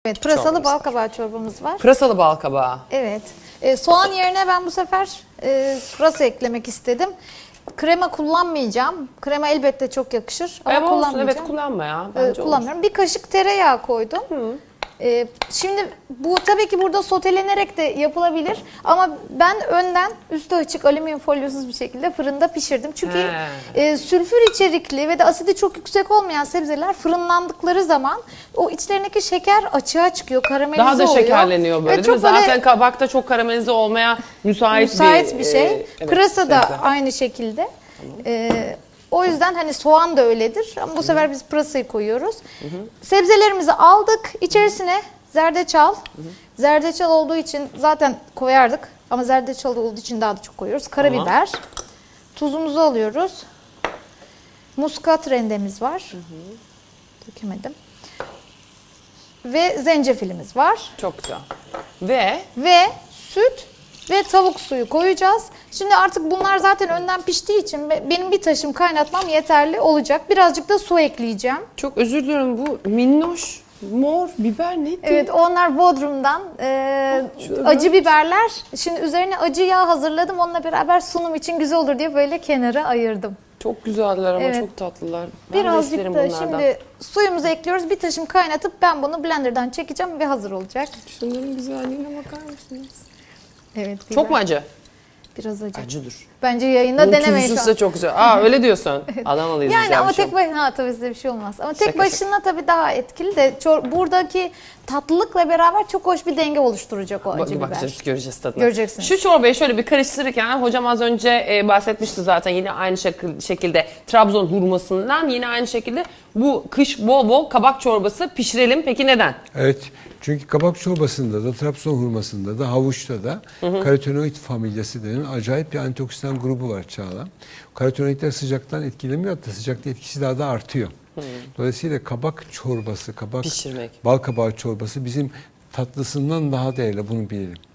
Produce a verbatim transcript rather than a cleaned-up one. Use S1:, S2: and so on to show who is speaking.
S1: Evet, pırasalı
S2: Çorbamız
S1: bal
S2: var.
S1: kabağı çorbamız var.
S2: Pırasalı bal kabağı.
S1: Evet. E, soğan yerine ben bu sefer e, pırasa eklemek istedim. Krema kullanmayacağım. Krema elbette çok yakışır ama
S2: Evet olsun,
S1: kullanmayacağım.
S2: evet kullanma ya.
S1: E,
S2: Bence olur.
S1: kullanmıyorum. Bir kaşık tereyağı koydum. E, şimdi bu tabii ki burada sotelenerek de yapılabilir ama ben önden üstü açık alüminyum folyosuz bir şekilde fırında pişirdim. Çünkü
S2: He.
S1: e, sülfür içerikli ve de asidi çok yüksek olmayan sebzeler fırınlandıkları zaman o içlerindeki şeker açığa çıkıyor, karamelize
S2: Daha da
S1: oluyor.
S2: şekerleniyor böyle
S1: Evet,
S2: değil mi?
S1: çok böyle
S2: Zaten kabakta çok karamelize olmaya müsait,
S1: müsait bir şey.
S2: e, evet,
S1: Pırasa da
S2: sebze.
S1: aynı şekilde. Ee, o yüzden hani soğan da öyledir. Ama bu sefer biz pırasayı koyuyoruz. Sebzelerimizi aldık. İçerisine zerdeçal. Zerdeçal olduğu için zaten koyardık. Ama zerdeçal olduğu için daha da çok koyuyoruz. Karabiber. Tuzumuzu alıyoruz. Muskat rendemiz var. Dökemedim. Ve zencefilimiz var.
S2: Çok güzel. Ve
S1: Ve süt ve tavuk suyu koyacağız. Şimdi artık bunlar zaten önden piştiği için be- benim bir taşım kaynatmam yeterli olacak. Birazcık da su ekleyeceğim.
S2: çok özür diliyorum, bu minnoş mor biber neydi?
S1: Evet, onlar Bodrum'dan e,
S2: Şöyle.
S1: acı biberler. Şimdi üzerine acı yağ hazırladım. Onunla beraber sunum için güzel olur diye böyle kenara ayırdım.
S2: Çok güzeller ama
S1: Evet.
S2: çok tatlılar. Ben de
S1: Birazcık
S2: isterim
S1: da
S2: bunlardan.
S1: şimdi suyumuzu ekliyoruz. Bir taşım kaynatıp ben bunu blenderdan çekeceğim ve hazır olacak.
S2: Şunların güzelliğine bakar mısınız?
S1: Evet.
S2: Çok
S1: biber.
S2: mu acı?
S1: Biraz acı.
S2: Acıdır.
S1: Bence yayında
S2: Bunun
S1: denemeyin şu
S2: tuzlusu
S1: an.
S2: da çok güzel. Aa öyle diyorsun. Alamalıyız.
S1: Yani
S2: güzel
S1: ama
S2: bir şey.
S1: tek başına ha, tabii size bir şey olmaz. Ama tek
S2: Şaka
S1: başına tabii daha etkili de çor- buradaki tatlılıkla beraber çok hoş bir denge oluşturacak o acı
S2: Bak,
S1: biber.
S2: bakacağız, göreceğiz tadını.
S1: Göreceksiniz.
S2: Şu çorbayı şöyle bir karıştırırken hocam az önce e, bahsetmişti zaten yine aynı şekil- şekilde Trabzon hurmasından, yine aynı şekilde bu kış bol bol kabak çorbası pişirelim. Peki neden?
S3: Evet. Çünkü kabak çorbasında da, Trabzon hurmasında da, havuçta da karotenoid familyası denen acayip bir antioksidan grubu var Çağla. Karotenoidler sıcaktan etkilemiyor, hatta sıcakta etkisi daha da artıyor. Dolayısıyla kabak çorbası, kabak
S2: Pişirmek.
S3: bal kabağı çorbası bizim tatlısından daha değerli, bunu bilelim.